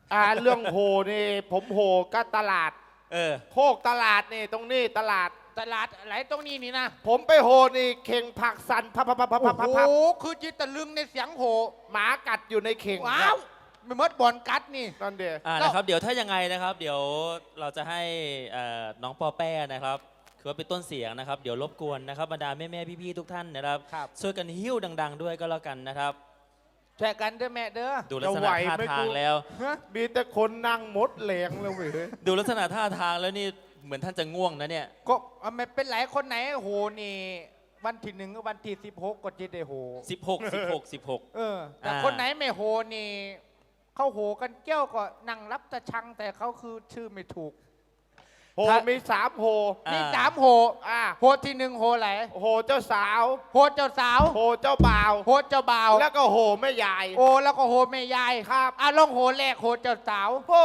เรื่องโหนี่ผมโหก็ตลาดโคกตลาดนี่ตรงนี้ตลาดอะไรตรงนี้นี่นะผมไปโหนี่เข่งผักสันพับโอ้โหคือจิตตะลึงในเสียงโหหมากัดอยู่ในเข่งว้าวไม่มดบอลกัดนี่นั่นเดียวนะครับเดี๋ยวถ้ายังไงนะครับเดี๋ยวเราจะให้น้องปอแป้นะครับคือว่าเป็นต้นเสียงนะครับเดี๋ยวรบกวนนะครับบรรดาแม่ๆพี่ๆทุกท่านนะครับช่วยกันหิ้วดังๆด้วยก็แล้วกันนะครับช่วยกันเด้อแม่เด้อดูลักษณะท่าทางแล้วมีแต่คนนั่งมดแหลงเลยเว้ยดูลักษณะท่าทางแล้วนี่เหมือนท่านจะง่วงนะเนี่ยก็ไม่เป็นไรคนไหนโหนี่วันที่1กับวันที่16ก็จะได้โห 16 แต่คนไหนไม่โหนี่เขาโหกันเกี้ยวก็นั่งรับตะชังแต่เขาคือชื่อไม่ถูกโหมี3โหมี3โหโหที่1โหไหนโหเจ้าสาวโหเจ้าสาวโหเจ้าบ่าวโหเจ้าบ่าวแล้วก็โหแม่ยายโอ้แล้วก็โหแม่ยายครับลองโหแรกโหเจ้าสาวโห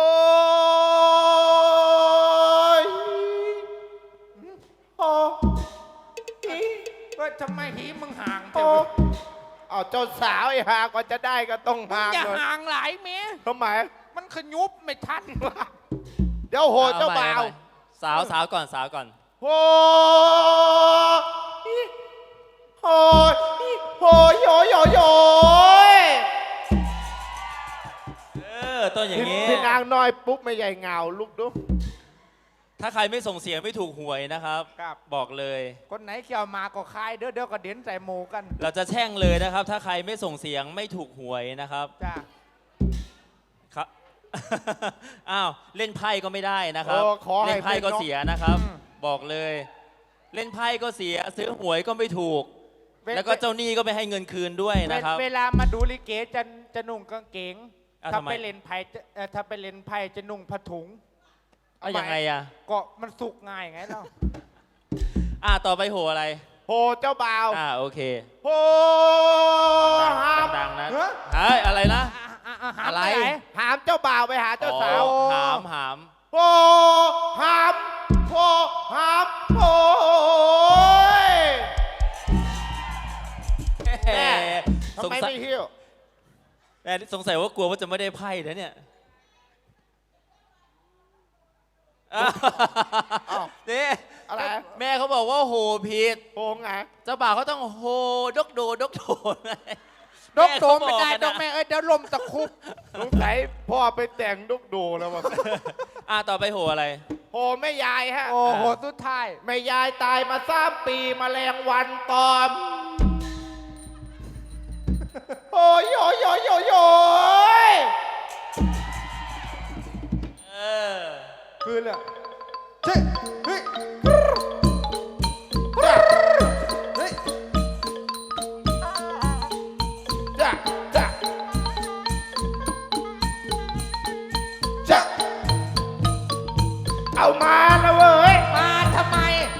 ก็ทำไมหีมึงห่างจังเจ้าสาวไอ้ห่างกว่าจะได้ก็ต้องห่างอย่าห่างหลายเมียทำไมมันขยุบไม่ทันเดี๋ยวโหเจ้าบ่าวสาวก่อนโหโยต้นอย่างนี้พี่นางน้อยปุ๊บไม่ใหญ่เงาลุกดูถ้าใครไม่ส่งเสียงไม่ถูกหวยนะครับบอกเลยคนไหนเกี่ยวมาก็คายเดี๋ยวก็เด่นใส่โมกันเราจะแช่งเลยนะครับถ้าใครไม่ส่งเสียงไม่ถูกหวยนะครับจ้าครับอ้าวเล่นไพ่ก็ไม่ได้นะครับเล่นไพ่ก็เสียนะครับ บอกเลยเล่นไพ่ก็เสียซื้อหวยก็ไม่ถูกแล้วก็เจ้าหนี้ก็ไม่ให้เงินคืนด้วยนะครับเวลามาดูลิเกจะนุ่งกางเกงถ้าไปเล่นไพ่จะนุ่งผ้าถุงยังไงก็มันสุกง่ายไงเนาะต่อไปโหอะไรโหเจ้าบ่าวโอเคโหดังนะอะไรนะอะไรหามเจ้าบ่าวไปหาเจ้าสาวหามโหหามโหทำไมไม่หิ้วแต่สงสัยว่ากลัวว่าจะไม่ได้ไพ่นะเนี่ยนี่อะไรแม่เขาบอกว่าโหผิดโหไงเจ้าบ่าวเขาต้องโหดกโดดกโดไม่ได้ดกแม่เดี๋ยวลมตะคุบสงสัยพ่อไปแต่งดกโดแล้วมั้งต่อไปโหอะไรโหแม่ยายฮะโหสุดท้ายแม่ยายตายมา3 ปีแมลงวันตอมโอ้ยคือเลยเอามาแล้วเว้ยมาทำไม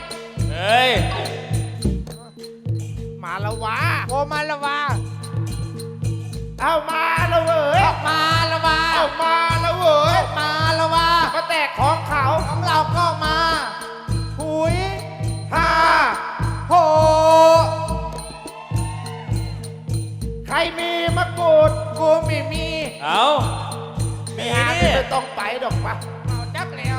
มาแล้ววะโอ้มาแล้ววะเอามาแล้วเว้ยมาแล้ววะเอามาแล้วเว้ยมาแล้ววะมาแตกของเขาของเราก็มาหุยโหใครมีมะกรูดกูไม่มีไม่หาไม่ต้องไปดอกปะจักแล้ว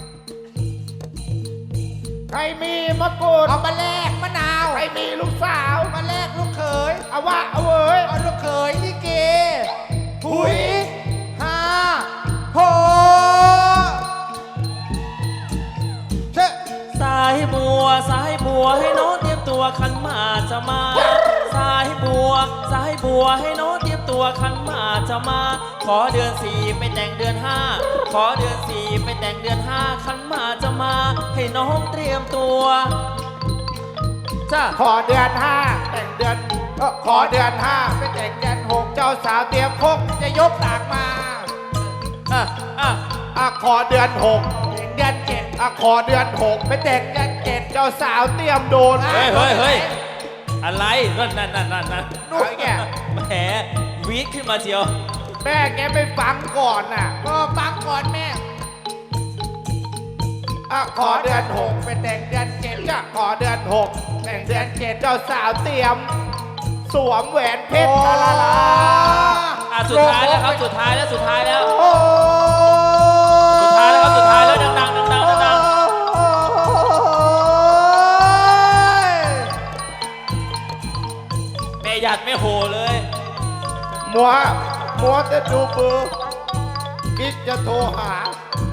ใครมีมะกรูดเอามาแลกมะนาวใครมีลูกสาวมาแลกลูกเขยเอาวะเอาเว้ยเอาลูกเขยลิเกหุยโหสายบัวให้น้องเตรียมตัวขันหมากจะมาสายบัวให้น้องเตรียมตัวขันหมากจะมาขอเดือน4ไปแต่งเดือน5ขอเดือน4ไปแต่งเดือน5ขันหมากจะมาให้น้องเตรียมตัวขอเดือน5แต่งเดือนขอเดือน5ไปแต่งเดือน6เจ้าสาวเตรียมคกจะยกตากมาขอเดือน6 เดือน7 ขอเดือน6ไปแต่งเดือน7เจ้าสาวเตรียมโดนเฮ้ยอะไรนั่นนู่นแกแหมวีดขึ้นมาเชียวแม่แกไปฟังก่อนน่ะฟังก่อนแม่ขอเดือน6 ไปแต่งเดือน7 ขอเดือน6แต่งเดือน7เจ้าสาวเตรียมสวมแหวนเพชรสุดท้ายแล้วครับสุดท้ายแล้วหยัดไม่โหเลยมัวจะดูเบอร์คิดจะโทรหา